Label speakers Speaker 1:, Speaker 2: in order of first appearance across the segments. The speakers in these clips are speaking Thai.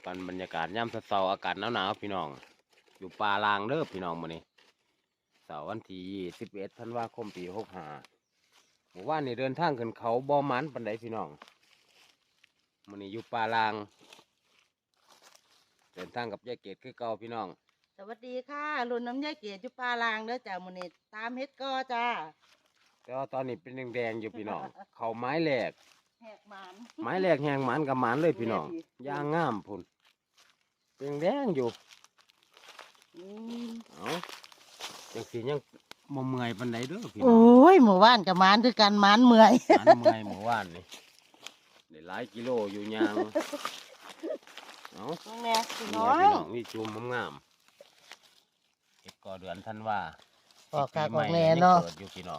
Speaker 1: กันบรรยากาศย่ำเช้าๆอากาศหนาวๆพี่น้องอยู่ป่าลางเด้อพี่น้องมื้อนี้เสาร์วันที่21 ธันวาคมปี65เมื่อวานนี้เดินทางขึ้นเขาบ่อมันปานใดพี่น้องมื้อนี้อยู่ป่าลางเดินทางกับยายเกดคือเก่าพี่น้อง
Speaker 2: สวัสดีค่ะรุ่นน้ำยายเกียรติจุปาลางเด้อจ้ามื้อนี้ตามเฮ็ดก็จ้า
Speaker 1: แต่ว่าตอนนี้เป็นแดงๆอยู่พี่น้อง เขาไม้แหลก
Speaker 2: แหกหมาน
Speaker 1: ไม้แหลกแหงหมันกับหมันเลยพี่น้องย่างงามพุ่นเป็นแดงอยู่
Speaker 2: อืม
Speaker 1: เอาจังสียังบ่เมื่อยปานใดเด้อพี่น้
Speaker 2: โอ้
Speaker 1: อง
Speaker 2: ยหมู่บ้านกับหมานคือกันหมานเมื่อย
Speaker 1: หมันเมื่อยเมื่อวานนี่ได้หลายกิโลอยู่ยางเอา
Speaker 2: น้องแม่พี่
Speaker 1: นี่
Speaker 2: น้อ
Speaker 1: พี่
Speaker 2: ง
Speaker 1: น้องนี่จูมงามๆเฮ็ดก่อเดือนธันวา
Speaker 2: ออกกาก
Speaker 1: ปี
Speaker 2: อ
Speaker 1: ให
Speaker 2: อก
Speaker 1: ม่
Speaker 2: แน่
Speaker 1: ยัง
Speaker 2: เนาะ
Speaker 1: เกิดอยู่พี่น้อง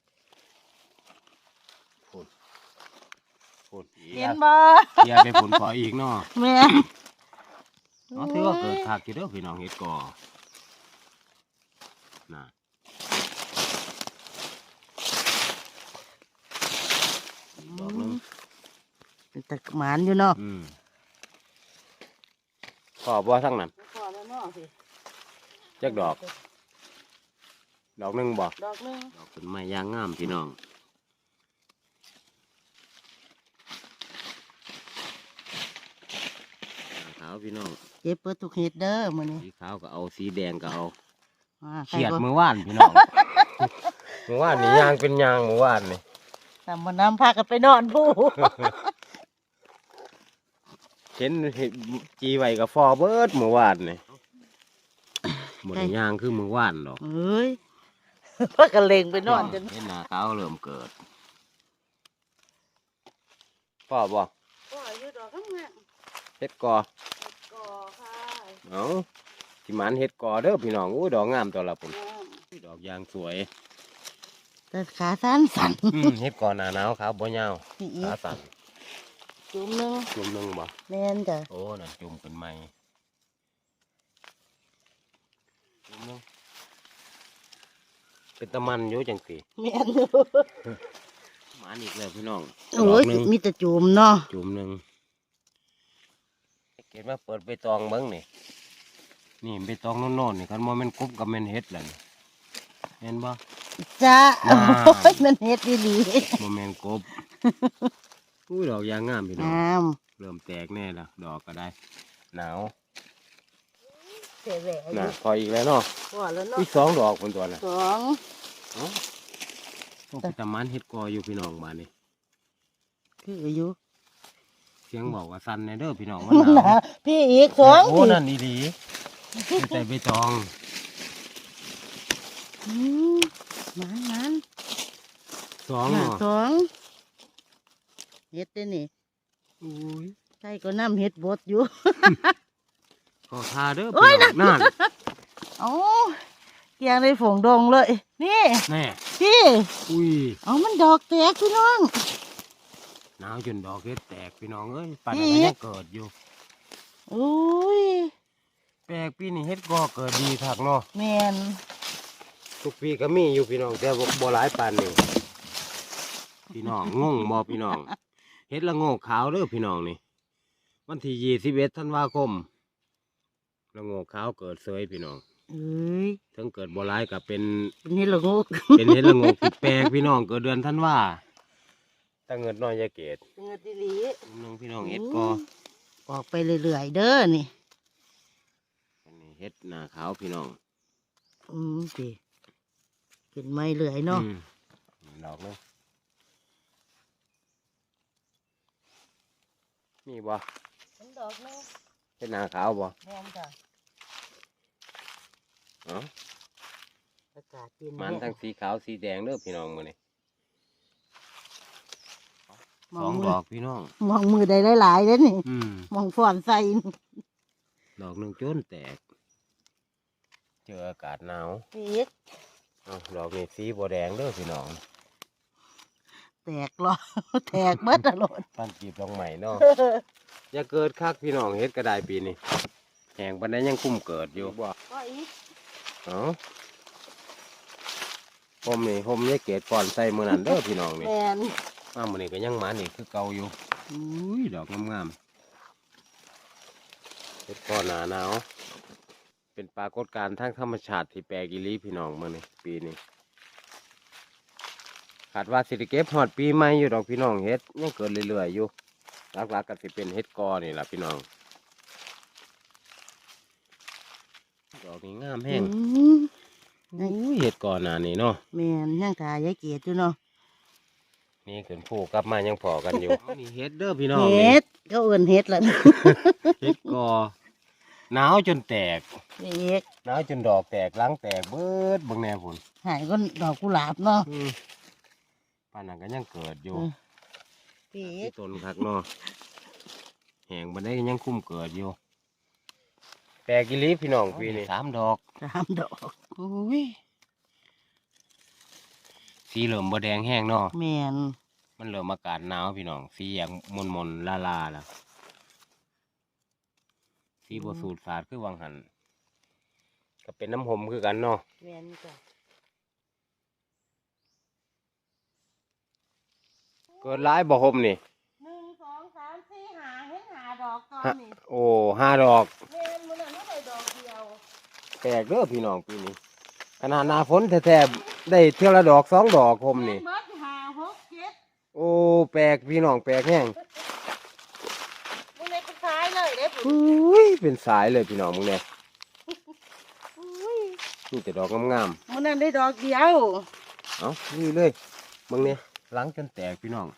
Speaker 1: พุ่นพุ่นอีก
Speaker 2: เห็น
Speaker 1: แล้ว
Speaker 2: บ่
Speaker 1: เกียร์ไปพุ่นขออีกเนาะ
Speaker 2: แม่
Speaker 1: เนาะถือว่าเกิดคักอยู่เด้อพี่น้องเฮ็ดก่อน่ะดอกหนึง
Speaker 2: เป็นตะหมานอยู่เนาะ
Speaker 1: ขอบ่ทั้งนั้น
Speaker 2: พอแล้วเนาะสิ
Speaker 1: จักดอกดอกหนึงบ่
Speaker 2: ดอกหนึง
Speaker 1: ดอกเป็นไม้ยางงามพี่น้องขาวพี่น้อง
Speaker 2: เก็บเปิดทุกเฮ็ดเด้อมื้อนี้
Speaker 1: สีขาวก็เอาสีแดงก็เอา
Speaker 2: ใคร
Speaker 1: เขียด
Speaker 2: ก็
Speaker 1: มือว่านพี่น้อง มือว่านนี่ยางเป็นยางมือว่านนี่
Speaker 2: ตามบ่น้ำพากันไปนอนผู้
Speaker 1: เห็นจีไว้กับฟอเบิดมือว่านนี่หมดยางคือมือว่านดอก
Speaker 2: เอ้ย พากันเล็งไปนอนจน
Speaker 1: เห็นหน้าขาวเริ่มเกิดพ่อบ่
Speaker 2: ก็อยู่ดอกข้างหน้า
Speaker 1: เฮ็ดกอ
Speaker 2: ก่อค่ะ
Speaker 1: เอาที่มันเฮ็ดกอเด้อพี่น้องอู้ดอกงามตัวละปุ่นดอกยางสวย
Speaker 2: แต่ขาสั้นสั่น
Speaker 1: เฮ็ดกอหน้าหนาวขาวบ่ยาว
Speaker 2: พี่อี
Speaker 1: ขาสั่น
Speaker 2: จุ่มหนึง
Speaker 1: จุ่มหนึงบ่
Speaker 2: แม่นจ้ะ
Speaker 1: โอ้นั่นจุ่มเป็นไม้จุ่มหนึงเป็นตะมันอยู่จังสิ
Speaker 2: แม่นอยู่
Speaker 1: หมันอีกแล้วพี่น้อง
Speaker 2: โอ้ย
Speaker 1: ดกหนึ่ง
Speaker 2: มีแต่จุ่มเนาะ
Speaker 1: จุ่มหนึ่งเกดมาเปิดใบตองเบิ้งนี่นี่ใบตองโน่นๆนี่คันโมเมนกบกับแมนเฮ็ดแหละนี่เห็นบ่
Speaker 2: จ้า
Speaker 1: ว้าว
Speaker 2: โอ้ยมันเฮ็ดดี
Speaker 1: โมเมนกบอุ้ยดอกยางงามพี่น้อง
Speaker 2: งาม
Speaker 1: เริ่มแตกแน่ละดอกก็ได้ หนาว
Speaker 2: เจ๋แหวะอ
Speaker 1: น่ะ
Speaker 2: ยู่
Speaker 1: พออีกแล้วเนาะ
Speaker 2: พอแล้วเนาะ
Speaker 1: อีก2 ดอกคนตัวน่ะ
Speaker 2: สอง
Speaker 1: เอ้าต้องไปตะมันเฮ็ดกออยู่พี่น้องบ้านนี่
Speaker 2: คืออยู่
Speaker 1: เสียงบอกว่าสั่นในเด้อพี่น้อง
Speaker 2: มั
Speaker 1: มัน นห
Speaker 2: ห
Speaker 1: นาน
Speaker 2: าว พี่อีกสอง
Speaker 1: โอ้
Speaker 2: สิ
Speaker 1: นั่นดีๆแต่ใบตอง
Speaker 2: อืมมัน
Speaker 1: สอง
Speaker 2: น่ะ
Speaker 1: เนาะ
Speaker 2: สองเฮ็ดได้นี่
Speaker 1: อุ้ย
Speaker 2: ใช่ก็น้ำเฮ็ดบดอยู่
Speaker 1: ก็ทาเด้อ
Speaker 2: โอ้
Speaker 1: พี่
Speaker 2: ย
Speaker 1: น้องนั่น
Speaker 2: เอ้าเกียงในฝงดงเลย นี่
Speaker 1: แน่
Speaker 2: พี่
Speaker 1: อุ้ย
Speaker 2: เอามันดอกแตกพี่น้อง
Speaker 1: หนาวจนดอกเฮ็ดแตกพี่น้องเอ้ยป่าน
Speaker 2: อี
Speaker 1: นั้น
Speaker 2: ก
Speaker 1: ยังเกิดอยู่
Speaker 2: โอ้ย
Speaker 1: แปลกปีนี้เฮ็ดก็เกิดดีคักเนาะ
Speaker 2: แม่น
Speaker 1: ทุกปีก็มีอยู่พี่น้องแต่บ่หลายปานนี้พี่น้องงงบ่พี่น้องเฮ็ดละโงกขาวเด้อพี่น้องนี่วันที่21 ธันวาคมละโงกขาวเกิดเสยพี่น้อง
Speaker 2: เอ้ย
Speaker 1: ถึงเกิดบ่หลายก็เป็น
Speaker 2: เป็นเฮ็ดละโงก
Speaker 1: เป็นเฮ็ดละโงกที่แปลกพี่น้องเกิดเดือนธันวาตั้งเงินน้อยยาเกต
Speaker 2: เงินดีหลี
Speaker 1: นึงพี่น้องเฮ็ดก็
Speaker 2: ออกไปเรื่อยๆเด้อนี่
Speaker 1: อันนี้เฮ็ดหน้าขาวพี่น้อง
Speaker 2: สิเป็นไม้เลื่อยเนาะ
Speaker 1: ดอกนึงมีบ่
Speaker 2: เป็นดอกนึง
Speaker 1: เฮ็ดหน้าขาวบ่
Speaker 2: แม่นจ้ะ
Speaker 1: เอ้า
Speaker 2: อากาศเย็น
Speaker 1: มันทั้งสีขาวสีแดงเด้อพี่น้องมื้อนี้
Speaker 2: ม
Speaker 1: ส
Speaker 2: อ
Speaker 1: อง ง
Speaker 2: มื
Speaker 1: ด
Speaker 2: อ
Speaker 1: อกพี่น้อง
Speaker 2: มองมือได้หลายๆเด้อนี่ มองฟอนใส่
Speaker 1: ดอกหนึงจนแตก เจออากาศหนาว
Speaker 2: ปีก
Speaker 1: เอ้าดอกนี้สีบ่แดงเด้อพี่น้อง
Speaker 2: แตกหรอ แตกเบิดตลอด
Speaker 1: ปั้นจีบดอกใหม่เนาะ อย่าเกิดคักพี่น้องเฮ็ดก็ได้ปีนี้แหงปานใดยังคุ้มเกิดอยู่บ่
Speaker 2: ก็อีก
Speaker 1: เอ้าผมนี่ผมยายเกดก่อนใส่มื้อนั้นเด้อพี่น้องนี่
Speaker 2: แม่น
Speaker 1: มามื้อนี้ก็ยังหมานี่คือเก่าอยู่อุ้ยดอกงามเฮ็ดก่อนหนาหนาวเป็นปรากฏการณ์ทางธรรมชาติที่แปลกอีหลีพี่น้องมื้อนี้ปีนี้คาดว่าสิได้เก็บฮอดปีใหม่อยู่ดอกพี่น้องเฮ็ดยังเกิดเรื่อยๆอยู่หลักๆก็สิเป็นเฮ็ดกอนี่ล่ะพี่น้องดอกนี้งามแห้ง อุ้ยเห็ดก่อนหน้านี้เนาะ
Speaker 2: แม่นยังถ่ายยายเกดอยู่เนาะ
Speaker 1: นี่ขึ้นผูกกลับมายังพอกันอยู่ นี่เห็ดเด้อพี่น้อง
Speaker 2: เฮ็ดเขาเอิ้นเฮ็ดล่ะ
Speaker 1: เห็ดกอหนาวจนแตก
Speaker 2: พี่เอก
Speaker 1: หนาวจนดอกแตกหลังแตกเบิดเบิ่งแน่พุ่น
Speaker 2: หายก็ดอกกุหลาบเนาะ
Speaker 1: ป่านนั้นก็ยังเกิดอยู่
Speaker 2: พี่เอ
Speaker 1: ที่
Speaker 2: ก
Speaker 1: ต้นคักเนาะแหงบันไดก็ยังคุ้มเกิดอยู่แปลกอีหลีพี่น้องปีนี้3 ดอก
Speaker 2: 3 ดอก
Speaker 1: อุ้ยสีเหลืองบ่แดงแห้งเนาะ
Speaker 2: แม่น
Speaker 1: มันเริ่มอากาศหนาวพี่น้องสีอย่างมนๆลาๆแล้วสีบสูดสาดคือวังหันก็เป็นน้ำหอมคือกันเนาะ
Speaker 2: แม่นจ้ะ
Speaker 1: เกิดร้ายบ่หมนี่
Speaker 2: 1 2 3 4 5เห็น5 ดอกตอน
Speaker 1: ฮะ
Speaker 2: นี้
Speaker 1: โอ้5 ดอก
Speaker 2: แม่นมื้อนั้นได้ดอกเดียว
Speaker 1: แปลกเด้อพี่น้องปีนี้ขนาดหน้าฝนแท้ๆได้เท่าละดอก2 ดอกหมนี่
Speaker 2: เบิด5 6 7
Speaker 1: โอ้แปลกพี่น้องแปลกแห้ง
Speaker 2: มื้อนี้เป็นท้ายเลยเด้อ
Speaker 1: อุ้ยเป็นสายเลยพี่น้องมึงเนี่ย
Speaker 2: อุ้ย
Speaker 1: นี่แต่ดอกงาม
Speaker 2: มื้อนั้นได้ดอกเดียว
Speaker 1: ๆเอ้านี่เลยมึงเนี่ยหลังจนแตกพี่น้อง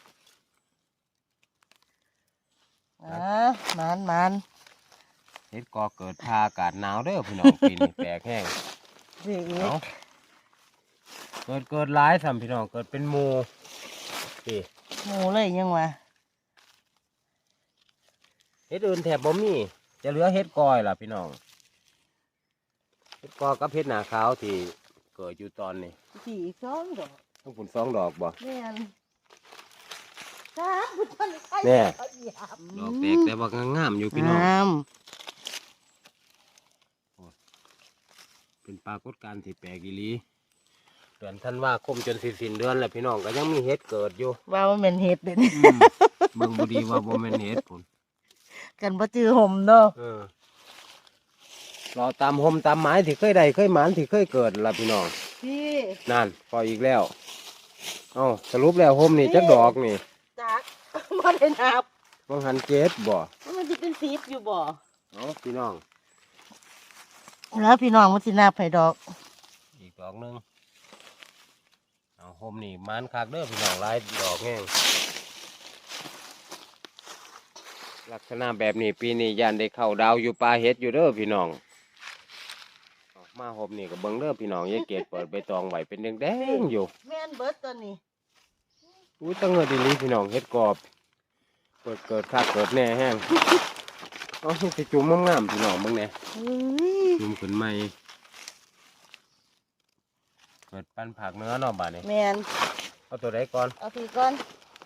Speaker 2: มัน
Speaker 1: เฮ็ดกอเกิดพาอากาศหนาวเด้อพี่น้องปีนี้แปลกแห้ง
Speaker 2: พี่เอ
Speaker 1: เอ้าก เกิดหลายซ้ำพี่น้องเกิดเป็นหมู่พี่
Speaker 2: หมูเลยยังวะ
Speaker 1: เฮ็ดอื่นแถบบ่มีจะเหลือเฮ็ดกอยล่ะพี่น้องเฮ็ดกอกับเฮ็ดหนาขาวที่เกิดอยู่ตอนนี้
Speaker 2: สี่2 ดอก
Speaker 1: ทั้งผุน2 ดอกบ่
Speaker 2: แม่น3บุญต้นไข่
Speaker 1: แน่
Speaker 2: เขาเหยียบ
Speaker 1: ดอกแตกแต่ว่างามๆอยู่พี่น้อง
Speaker 2: งาม
Speaker 1: เป็นปรากฏการณ์ที่แปลกอีหลีเดือนธันวาคมจนสิสิ้นเดือนแล้วพี่น้องก็ยังมีเฮ็ดเกิดอยู่
Speaker 2: ว่ามันเป็นเห็ดเด่น
Speaker 1: เบิ่งบ่ดีว่าบ่แม่นเฮ็ดพุ่น
Speaker 2: กันบ่จือห่มเนาะ
Speaker 1: รอตามหมตามไม้ที่เคยได้เคยหมานที่เคยเกิดล่ะพี่น้อง
Speaker 2: พี่
Speaker 1: นั่นพออีกแล้วเอ้าสรุปแล้วหมนี่จักดอกนี่
Speaker 2: จัก บ่ได้นับ
Speaker 1: บางหันเจ็ดบ่
Speaker 2: มันสิเป็น10อยู่บ่
Speaker 1: เอ้าพี่น้อง
Speaker 2: แล้วพี่น้องมันสินับให้ดอก
Speaker 1: อีกดอกหนึงเอาหมนี่หมานคักเด้อพี่น้องหลายดอกแห้งลักษณะแบบนี้ปีนี้ย่านได้เข้าดาวอยู่ป่าเฮ็ดอยู่เด้อพี่น้องเอามาหมนี่ก็เบิ่งเด้อพี่น้องยายเกดเปิดใบตองไว้เป็นแดงๆอยู่
Speaker 2: แม่นเบิดตัวนี้
Speaker 1: อุ้ยตั้งเงินดีๆพี่น้องเฮ็ดกรอบเกิดคักเกิดแน่แห้งเอาสิจุ่มงามๆพี่น้องเบิ่งแหน่
Speaker 2: เฮ้ย
Speaker 1: จุ่มขึ้นใหม่เกิดปั้นผักเนื้อเนาะบาดนี้
Speaker 2: แม่น
Speaker 1: เอาตัวใดก่อน
Speaker 2: เอาพี่ก่อน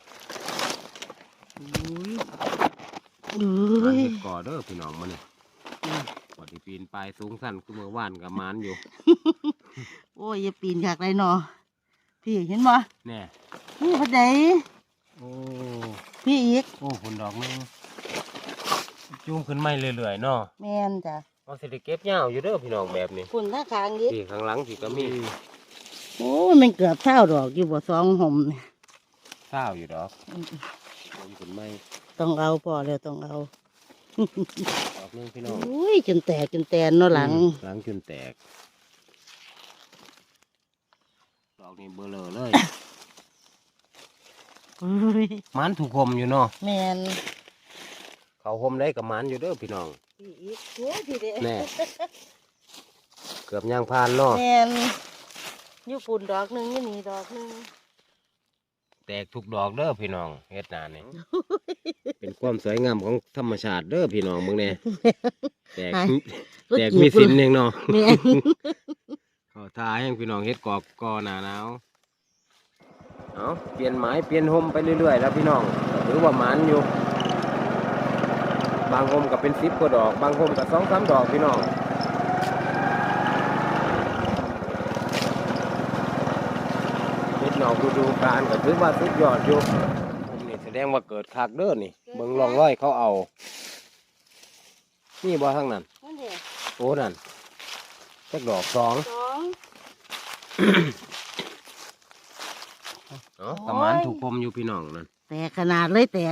Speaker 1: มันเฮ็ดก่อเด้อพี่น้องมื้อนี้ก่อที่ปีนปลายสูงสั้นคือเมื่อวานกับมานอยู่
Speaker 2: โอ้ยอย่าปีนอยากได้เนาะพี่เห็นบ่
Speaker 1: แน่
Speaker 2: นี่พอดี
Speaker 1: โอ้
Speaker 2: พี่อีก
Speaker 1: โอ้ผลดอกหนึงจุ่มขึ้นใหม่เรื่อยๆเนาะ
Speaker 2: แม่นจ้ะ
Speaker 1: เอาสิได้เก็บยาวอยู่เด้อพี่น้องแบบนี้
Speaker 2: ฝุ่นท่าคางอีก
Speaker 1: ที่ข้างหลังที่ก็มี
Speaker 2: โอ้ยมันเกือบ20 ดอกอยู่บ่2ห่มนี่
Speaker 1: ข้าวอยู่ดอกจุ่มขึ้นใหม่
Speaker 2: ต้องเอาพอแล้วต้องเอา
Speaker 1: ดอกหนึงพี่น้อง
Speaker 2: อุ้ยจนแตกจนแตนเนาะหลัง
Speaker 1: หลังจนแตกดอกนี้เบลอเลย
Speaker 2: อุ้ย
Speaker 1: มันถูกหมอยู่เนาะ
Speaker 2: แม่น
Speaker 1: เขาหมได้กับมันอยู่เด้อพี่น้อง
Speaker 2: พี่อีกโอ้ยพี่เด้
Speaker 1: แน่ เกือบย่างพานเนาะ
Speaker 2: แม่นอยู่ฝุ่นดอกหนึงอยู่นี่ดอกหนึง
Speaker 1: แตกทุกดอกเด้อพี่น้องเฮ็ดนานี่ เป็นความสวยงามของธรรมชาติเด้อพี่น้องมึงเนี่ยแตก
Speaker 2: ก็
Speaker 1: แตก
Speaker 2: จีบ
Speaker 1: มีสินเองเนาะ
Speaker 2: แม่น
Speaker 1: เขาทาให้พี่น้องเฮ็ดกอบกอหนาหนาวเอาเปลี่ยนไม้เปลี่ยนหมไปเรื่อยๆแล้วพี่น้องหรือว่าหมันอยู่ บางหมก็เป็น10 กว่าดอก บางหมก็2-3 ดอกพี่น้องเฮ็ดนอกฤดูกาลก็ถือว่าสุดยอดอยู่ผมนี่แสดงว่าเกิดคักเด้อนี่เบิ่งร่องรอยเขาเอานี่บ่ทั้งนั้น
Speaker 2: นั่นเด้
Speaker 1: โอ้นั่นจักดอกสอง
Speaker 2: สอง
Speaker 1: เนาะประมาณถูกคมอยู่พี่น้องนั่น
Speaker 2: แตกขนาดเลยแตก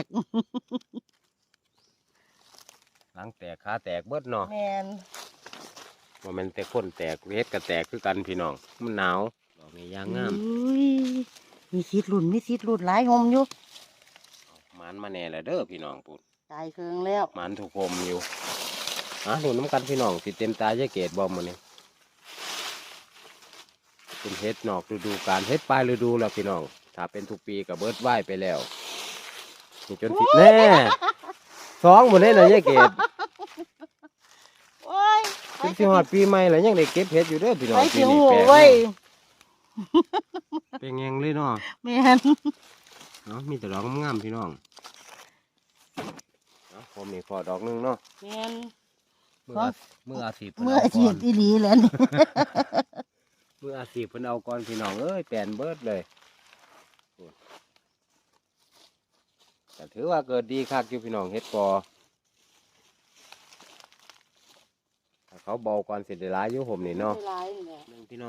Speaker 1: หลังแตกขาแตกเบิดเนาะ
Speaker 2: แมน
Speaker 1: ว่ามันแต่คนแตกเฮ็ดก็แตกคือกันพี่น้องมันหนาวดอกนี้ยางงาม
Speaker 2: อุ้ยมีซีดรุ่นหลายหมอยู่
Speaker 1: มันมาแน่แล้วเด้อพี่น้องปุ่น
Speaker 2: ตายเคืองแล้ว
Speaker 1: มันถูกคมอยู่ดูน้ำกันพี่น้องติดเต็มตาจะเกตบอมมันนี่เป็นเฮ็ดนอกฤดูกาลเฮ็ดปลายฤดูแล้วพี่น้องถ้าเป็นทุกปีกับเบิร์ดไหวไปแล้วนี่จนผิดแน่สองหมดเลยนะยายเกต
Speaker 2: โอ้ย
Speaker 1: เป็นสิหอดปีใหม่แล้วยังได้เก็บเฮ็ดอยู่เด้อพี่น้อง
Speaker 2: ไป
Speaker 1: ปี
Speaker 2: เสียง
Speaker 1: นี้
Speaker 2: หัว
Speaker 1: แปลก
Speaker 2: ไว้ย
Speaker 1: เป็นไงเลยเนาะ
Speaker 2: แมน
Speaker 1: เนาะมีแต่ดอกงามๆพี่น้องผมนี่พอดอกหนึงเนาะ
Speaker 2: แมน
Speaker 1: มืออาชีพ
Speaker 2: เมื่ออาชีพอีหลีแล้วนี่
Speaker 1: มืออาชีพเพิ่นเอาก่อนพี่น้องเอ้ยแปลนเบิดเลยแต่ถือว่าเกิดดีคักอยู่พี่น้องเฮ็ดกอถ้าเขาเบาก่อนเสร็จได้หลายอยู่ผมนี่เนาะ
Speaker 2: หลายนี่แหละ
Speaker 1: หนึ่งพี่น้อง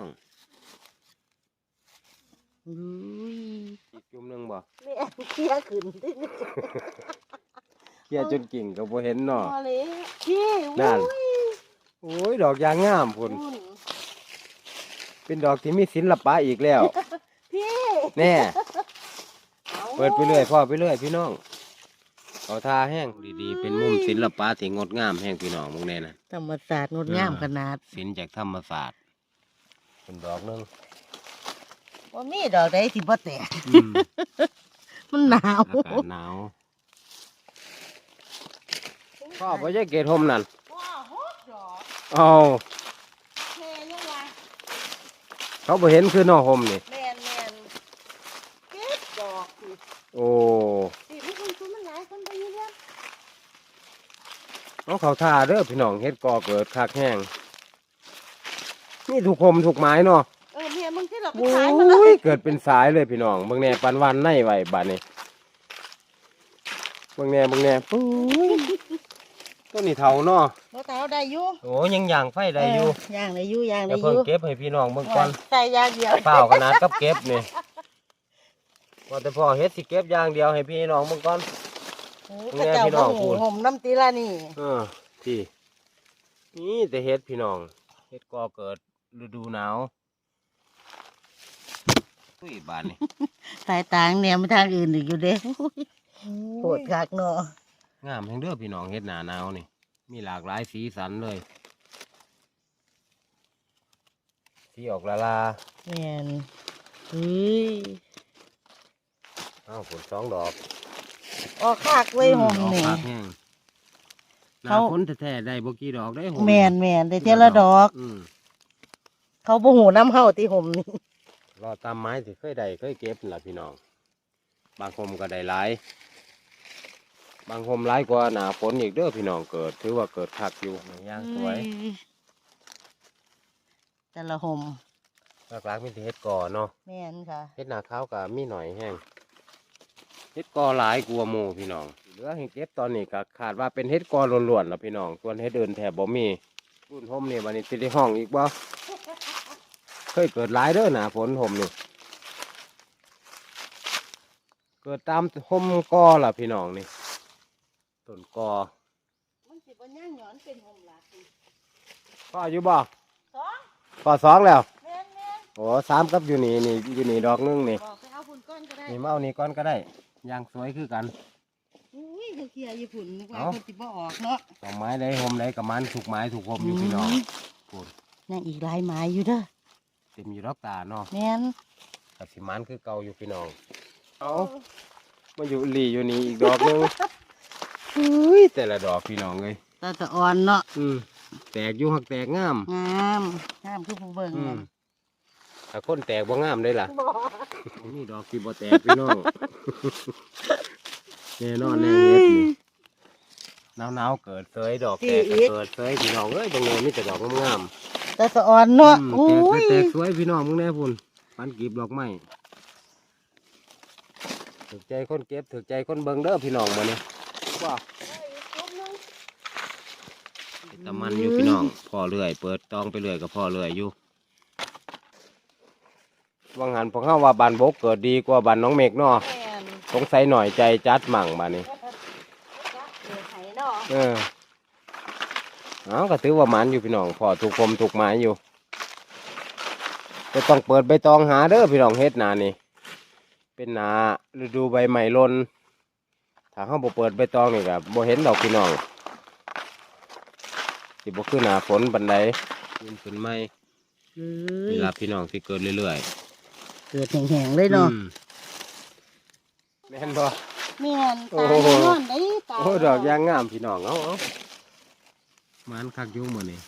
Speaker 2: อุ้ย
Speaker 1: อีกจุ่มหนึงบ่
Speaker 2: แม่เคี้ยขึ้นที่นี่
Speaker 1: เกี่ยจนกิ่งก็บ่เห็นเนาะ
Speaker 2: พอเลยพี่
Speaker 1: นั่น
Speaker 2: อุ้ย
Speaker 1: โอ้ยดอกยางงามพุ่น
Speaker 2: อุ่น
Speaker 1: เป็นดอกที่มีศิลปะอีกแล้ว
Speaker 2: พี่
Speaker 1: แน่
Speaker 2: อา
Speaker 1: เปิดไปเรื่อยพ่อไปเรื่อยพี่น้องเอาทาแห้งดีๆเป็นมุมศิลปะที่งดงามแห้งพี่น้องมึงแน่นะ
Speaker 2: ธรรมศาสตร์งดงามขนาด
Speaker 1: ศิลป์จากธรรมศาสตร์เป็นดอกหนึง
Speaker 2: ว่ามีดอกใดที่บ่แตก
Speaker 1: อืม
Speaker 2: มันหนาว
Speaker 1: อากาศหนาวพ่อพ่อจะเกตหมนั่น
Speaker 2: ว้าฮดดอก
Speaker 1: เอา
Speaker 2: แม่ยังวะ
Speaker 1: เขาบ่เห็นคือหนอหมนี่
Speaker 2: แม่นเก็บดอกสิ
Speaker 1: โอ้
Speaker 2: สิพี่คุณคุณมันหลายคนไปอยู่เนี่ย
Speaker 1: เอาเขาท่าเด้อพี่น้องเฮ็ดกอเกิดคักแห้งนี่ถูกคมถูกไม้เนาะ
Speaker 2: แม่มึงที่เราไป
Speaker 1: โอ้
Speaker 2: ขายมาแล้ว
Speaker 1: ยเกิดเป็นสายเลยพี่น้องเบิ่งแน่ปันวันในไว้บัดนี้เบิ่งแน่ปุ้ยต้นนี้เฒ่าเนาะ
Speaker 2: บ่เตาได้อยู่
Speaker 1: โอ้ยังย่างไฟได้อยู่
Speaker 2: ย่างได้อยู่ย่าง
Speaker 1: แล้
Speaker 2: ได้
Speaker 1: ว
Speaker 2: อ
Speaker 1: เพิ่ง
Speaker 2: ยู่
Speaker 1: เก็บให้พี่น้องเบิ่งก่อน
Speaker 2: ใส่ยางเดียว
Speaker 1: เปล่าขนาดกับเก็บนี่ว่าแต่พ่อเฮ็ดสิเก็บอย่างเดียวให้พี่น้องเบิ่งก่อน
Speaker 2: พระเจ้า
Speaker 1: พี่น้
Speaker 2: บ่
Speaker 1: องพู
Speaker 2: หู
Speaker 1: ด
Speaker 2: ห่มน้ำตีละนี่
Speaker 1: พี่นี่แต่เฮ็ดพี่น้องเฮ็ดก่อเกิดฤดูหนาวอุ้ยบานนี่
Speaker 2: สายตางแนวไปทางอื่นอีกอยู่เด้โหดคักเนาะ
Speaker 1: งามแห่งเด้อพี่น้องเฮ็ดหนาหนาวนี่มีหลากหลายสีสันเลยสีออกลาลา
Speaker 2: แม่นเฮ้ย
Speaker 1: อ้าวผลสองดอก
Speaker 2: ออกคักไว้ยห่ม
Speaker 1: ออก
Speaker 2: นี่
Speaker 1: ปากแห้งหน้า
Speaker 2: เขา
Speaker 1: ฝนแท้ๆได้บ่กี่ดอกได้ห่ม
Speaker 2: แม่นได้เท่าละดอก เขาบ่หูน้ำเฮาที่ห่มนี่
Speaker 1: รอตามไม้ที่เคยได้เคยเก็บนั่นล่ะพี่น้องบางคมก็ได้หลายบางคมหลายกว่าหนาฝนอีกเด้อพี่น้องเกิดถือว่าเกิดคักอยู่ย่างสวย
Speaker 2: แต่ละห่ม
Speaker 1: หลักๆมีแต่เฮ็ดก่อเนาะ
Speaker 2: แม่นค่ะ
Speaker 1: เฮ็ดหนาขาวก็มีหน่อยแห้งเฮ็ดก่อหลายกลัวาหมู่พี่น้องเหลือให้เก็บตอนนี้ก็ขาดว่าเป็นเฮ็ดก่อล้วนๆแล้วพี่น้องส่วนเฮ็ดเดินแถบบ่มีรุ่นห่มนี่บัดนี้สิได้ห้องอีกบ่เคยเกิดหลายเด้อหนาฝนห่มนี่เกิดตามห่มก่อล่ะพี่น้องนี่ต้นก่อ
Speaker 2: มันสิบ่ย่างหย่อนเป็นห่มหลักสิ
Speaker 1: พ่ออยู่บ่
Speaker 2: สอง
Speaker 1: พ่อสองแล้ว
Speaker 2: แม่น
Speaker 1: โอ้สามกับอยู่นี่อยู่นี่ดอกหนึงนี่
Speaker 2: บอกไปเอาฝุ่นก้อนก็ได้
Speaker 1: นี่มาเอานี่ก่อนก็ได้ย่างสวยคือกัน
Speaker 2: อุ้ยเขาเคลียร์ญี่ปุ่นนึกว่า
Speaker 1: เอ้า
Speaker 2: เพิ่นสิบ่ออกเนาะ
Speaker 1: ดอกไม้ได้ห่มได้กับมันถูกไม้ถูกห่มอยู่พี่น้องพูด
Speaker 2: ยังอีกหลายไม้อยู่เด้อ
Speaker 1: เต็มอยู่ดอกตาเนาะ
Speaker 2: แม่น
Speaker 1: กับสิมันคือเก่าอยู่พี่น้องเอามาอยู่หลีอยู่นี่อีกดอกหนึงอุ้ยแต่ละดอกพี่น้องเลย
Speaker 2: ตาตะอ่อนเนาะ
Speaker 1: แตกอยู่หักแตกงาม
Speaker 2: งามคือผู้เบิ่ง
Speaker 1: อื
Speaker 2: นั่
Speaker 1: ม
Speaker 2: น
Speaker 1: ถ้าคนแตกบ่งามเลยล่ะ
Speaker 2: บ่
Speaker 1: นี่ดอกที่บ่แตกพี่น้อง แน่นอนแน่เฮ็ดนี่หนาวๆเกิดเสยดอกแตกก็เกิดเสยพี่น้องเอ้ยตรงนี้มีแต่ดอกงาม
Speaker 2: ตาตะอ่อนเนาะ
Speaker 1: ๆ
Speaker 2: โอ้ย
Speaker 1: แตกสวยพี่น้องมึงแน่พุ่นปันกีบดอกไม้ถูกใจคนเก็บถูกใจคนเบิ่งเด้อพี่น้องมื้อนี้ว่าตะมันอยู่พี่น้องพ่อเรื่อยเปิดตองไปเรื่อยกับพ่อเรื่อยอยู่ว่างหันพวกเขาว่าบานบกเกิดดีกว่าบานน้องเมฆเนาะ
Speaker 2: แม่น
Speaker 1: สงสัยหน่อยใจจัดมั่งบานนี้
Speaker 2: จักเกิดไห้เนาะ
Speaker 1: เอาก็ถือว่าหมันอยู่พี่น้องพอถูกคมถูกไม้อยู่จะต้องเปิดใบตองหาเด้อพี่น้องเฮ็ดหนานี่เป็นหนาฤดูใบใหม่หล่นถ้าเขาบ่เปิดใบตองนี่ก็บ่เห็นดอกพี่น้องสิบ่คือหนาฝนบันไดยืนขึ้นไม้
Speaker 2: เอ้
Speaker 1: เวย ลาพี่น้องสิเกิดเรื่อย
Speaker 2: เกิดแห้งๆเลย
Speaker 1: ๆ
Speaker 2: เนาะ
Speaker 1: แม่นบ่
Speaker 2: แม่น
Speaker 1: โอ้
Speaker 2: ตา
Speaker 1: โห
Speaker 2: แน่นอนได้ตา
Speaker 1: โอ้ดอกยางงามพี่น้องเอามันคักอยุ่มื้อนี้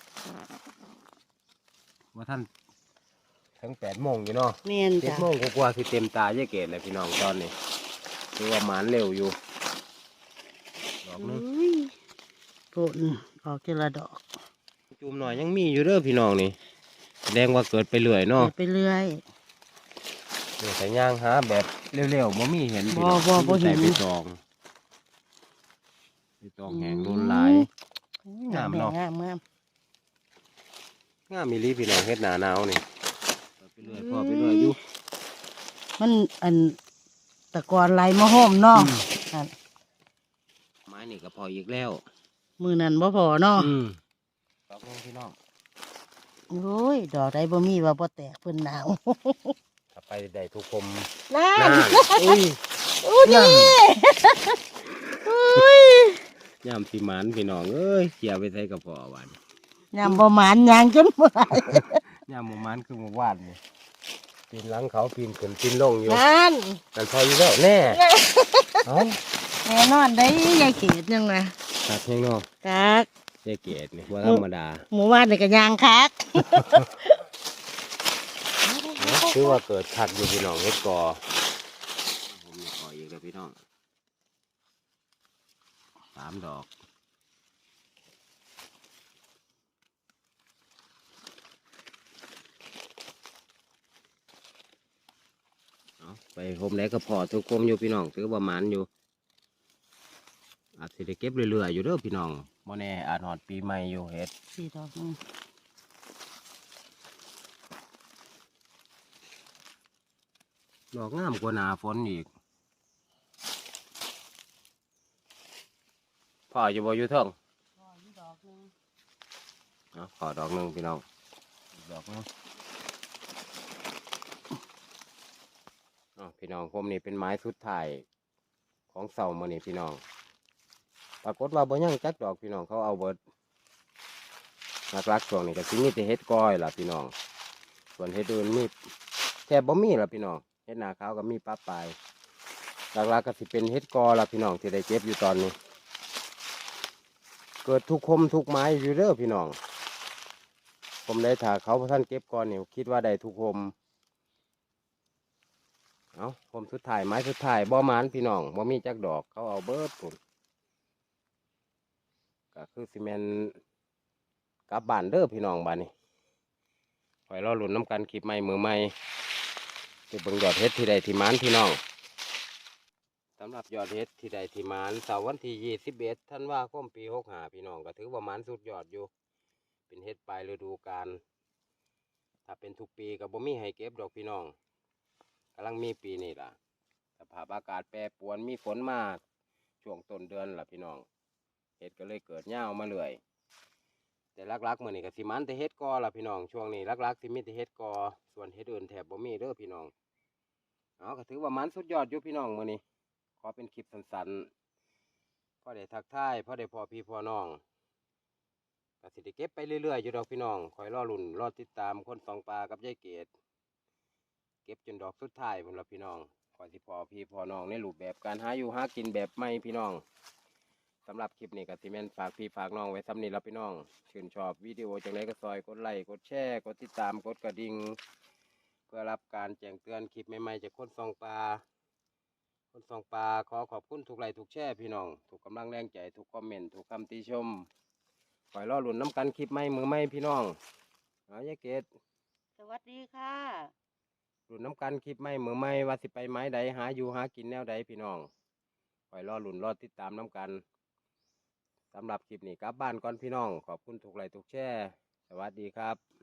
Speaker 1: ว่าท่านถึง8 โมงอยู่เนาะ
Speaker 2: แม่น
Speaker 1: เจ็ด
Speaker 2: จ้ะ
Speaker 1: โมงกว่าๆคือเต็มตาเยอะเกตเลยพี่น้องตอนนี้คือว่าหมานเร็วอยู่ดอกนึง
Speaker 2: อุ้ยปุ่นออกทีละดอก
Speaker 1: จุ่มหน่อยยังมีอยู่เด้อพี่น้องนี่แสดงว่าเกิดไปเรื่อยเนาะ
Speaker 2: ไปเรื่อย
Speaker 1: เดี๋ยวใส่ย่างหาแบบเร็วๆบ่มีเห็นพี่น้อง
Speaker 2: บ่เห็น
Speaker 1: ใส่ไปตองแหงโดนหลาย งามเนาะ
Speaker 2: งามงาม
Speaker 1: งามมีลีพี่น้องเฮ็ดหนาหนาวนี่ไปเรื่อยพ่อไปเรื่อยอยู่
Speaker 2: มันอันตะกอนไหลมาห้อมเนาะอัน
Speaker 1: ไม้นี่ก็พออีกแล้ว
Speaker 2: มือนั้นบ่พอเนาะ
Speaker 1: ดอกนึงพี่น้อง
Speaker 2: โอ้ยดอกใดบ่มีว่าบ่แตกเพิ่นหนาว
Speaker 1: ถ้าไปได้ทุกคม
Speaker 2: นั่
Speaker 1: นั่
Speaker 2: น
Speaker 1: นอุ้ย
Speaker 2: อู้นี่อุ้ย
Speaker 1: ย่ำสีหมันพี่น้องเอ้ยเกี่ยวไปใส่กระเพาะหวาน
Speaker 2: ยามบ่หมานยางจนเมื่อย
Speaker 1: ย่ำหมูมันคือหมูวาดนี่ปีนหลังเขาปีนขึ้นปีนลงอยู่
Speaker 2: นั่น
Speaker 1: กันพออยู่แล้วแน่เอ้า
Speaker 2: แน่นอนได้ยายเกดยังไง
Speaker 1: ตัดแห้งเนอก
Speaker 2: คัก
Speaker 1: เจ๊เกดนี่ว่าธรรมดา
Speaker 2: หมู่บ้านนี่ก็ยางคัก
Speaker 1: คือว่าเกิดขัดอยู่พี่น้องเฮ็ดกอผมมีกออีกแล้วพี่น้อง3 ดอกเอาไปผมได้ก็พอทุกคมอยู่พี่น้องถือว่าหมันอยู่อาจสิได้เก็บเรื่อยๆอยู่เด้อพี่น้องบ่แน่อาจหอดปีใหม่อยู่เฮ็ด
Speaker 2: สี่ดอกนึง
Speaker 1: ดอกงามกว่าหนาฝนอีกพ่ออยู่บ่อยู่เทิง
Speaker 2: อ๋อนี่ดอกนึง
Speaker 1: เอาขอดอกหนึงพี่น้องอีกดอกหนึงพี่น้องผมนี่เป็นไม้สุดท้ายของเสามื้อนี้พี่น้องปรากฏว่าบ่ยังจักดอกพี่น้องเขาเอาเบิดหลักๆช่วงนี้ก็สิมีแต่เฮ็ดก้อยล่ะพี่น้องส่วนเฮ็ดอื่นมีแทบบ่มีล่ะพี่น้องเฮ็ดนาขาวก็มีปลาปลายหลักๆก็สิเป็นเฮ็ดกอล่ะพี่น้องที่ได้เก็บอยู่ตอนนี้ เกิดทุกคมทุกไม้อยู่เด้อพี่น้องผมได้ถ่าเขาพระท่านเก็บก่อนเนี่ยคิดว่าได้ทุกคมเอาผมสุดท้ายไม้สุดท้ายบ่หมานพี่น้องบ่มีจักดอกเขาเอาเบิดผมก็คือซีเมนกลับบ้านเด้อพี่น้องบ้านนี้คอยรอหลุนน้ำกันคลิปใหม่มือใหม่จะเบิ่งยอดเฮ็ดที่ใดที่หมานพี่น้องสำหรับยอดเฮ็ดที่ใดที่หมานเสาร์วันที่21 ธันวาคมปี65พี่น้องก็ถือว่าหมานสุดยอดอยู่เป็นเฮ็ดปลายฤดูกาลถ้าเป็นทุกปีก็บ่มีให้เก็บดอกพี่น้องกำลังมีปีนี้ล่ะสภาพอากาศแปรปรวนมีฝนมาช่วงต้นเดือนล่ะพี่น้องเฮ็ดก็เลยเกิดยาวมาเรื่อยแต่ลักๆมื้อนี้ก็สิมันแต่เฮ็ดกอล่ะพี่น้องช่วงนี้ลักๆสิมีแต่เฮ็ดกอส่วนเฮ็ดอื่นแทบบ่มีเด้อพี่น้องเอาก็ถือว่ามันสุดยอดอยู่พี่น้องมื้อนี้ขอเป็นคลิปสั้นๆพอได้ทักทายพอได้พอพี่พอน้องก็สิได้เก็บไปเรื่อยๆอยู่ดอกพี่น้องคอยรอลุ่นรอติดตามคนสองปลากับยายเกดเก็บจนดอกสุดท้ายพุ่นละพี่น้องคอยสิพอพี่พอน้องในรูปแบบการหาอยู่หากินแบบใหม่พี่น้องสำหรับคลิปนี้ก็สิแม่นฝากพี่ฝากน้องไว้ซ้ำนี้ละพี่น้องชื่นชอบวิดีโอจังไดก็ซอยกดไลค์กดแชร์กดติดตามกดกระดิ่งเพื่อรับการแจ้งเตือนคลิปใหม่ๆจากคนสองปลาขอขอบคุณทุกไลค์ทุกแชร์พี่น้องทุกกำลังแรงใจทุกคอมเมนต์ทุกคำติชมคอยรอหลุนน้ำกันคลิปใหม่มือใหม่พี่น้องเอายายเกด
Speaker 2: สวัสดีค่ะ
Speaker 1: หลุนน้ำกันคลิปใหม่มือใหม่ว่าสิไปไม้ใดหาอยู่หากินแนวใดพี่น้องคอยรอหลุนรอติดตามน้ำกันสำหรับคลิปนี้กลับบ้านก่อนพี่น้องขอบคุณทุกไลค์ทุกแชร์สวัสดีครับ